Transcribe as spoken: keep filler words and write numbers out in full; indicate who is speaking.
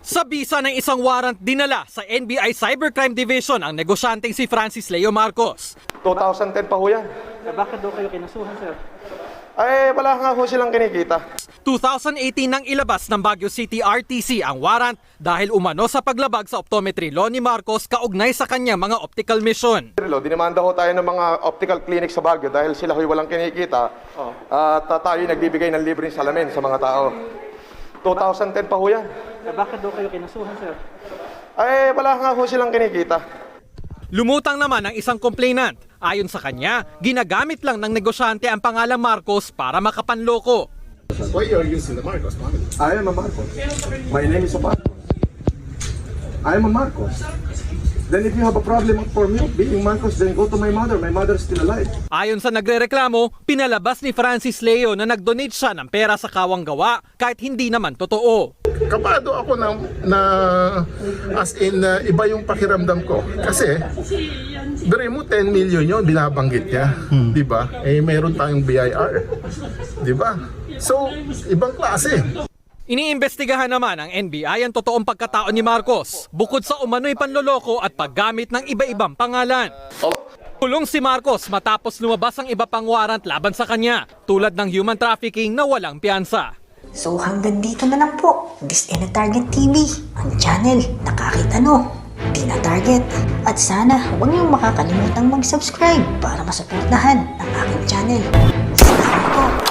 Speaker 1: Sa bisa ng isang warrant dinala sa N B I Cybercrime Division ang negosyanteng si Francis Leo Marcos.
Speaker 2: two thousand ten pa ho yan.
Speaker 3: Eh, bakit daw kayo kinasuhan, sir?
Speaker 2: Ay, wala nga ho silang kinikita.
Speaker 1: two thousand eighteen nang ilabas ng Baguio City R T C ang warrant dahil umano sa paglabag sa optometry law ni Marcos kaugnay sa kanyang mga optical mission.
Speaker 2: Dinimanda ho tayo ng mga optical clinic sa Baguio dahil sila ho'y walang kinikita.
Speaker 3: Oh.
Speaker 2: At uh, tayo nagbibigay ng libreng salamin sa mga tao. two thousand ten pa ho yan.
Speaker 3: Eh, bakit daw kayo kinasuhan, sir?
Speaker 2: Ay, wala nga ho silang kinikita.
Speaker 1: Lumutang naman ang isang complainant. Ayon sa kanya, ginagamit lang ng negosyante ang pangalang Marcos para makapanloko.
Speaker 4: Why you're using the Marcos family?
Speaker 2: I am a Marcos. My name is Marcos. I am a Marcos. Then if you have a problem for me being Marcos, then go to my mother. My mother is still alive.
Speaker 1: Ayon sa nagrereklamo, pinalabas ni Francis Leo na nag-donate siya ng pera sa kawang gawa kahit hindi naman totoo.
Speaker 4: Kapado ako na, na as in uh, iba yung pakiramdam ko. Kasi, dere mo ten million yun, binabanggit niya. Hmm. Di ba? Eh, mayroon tayong B I R. Di ba? So, ibang klase.
Speaker 1: Iniimbestigahan naman ng N B I ang totoong pagkatao ni Marcos, bukod sa umano'y panloloko at paggamit ng iba-ibang pangalan. Kulong si Marcos matapos lumabas ang iba pang warrant laban sa kanya, tulad ng human trafficking na walang piyansa.
Speaker 5: So hanggang dito na lang po, This in a Target T V, ang channel na kahit ano, di na target. At sana huwag niyong makakalimutang mag-subscribe para masuportahan ang aking channel. Salamat po!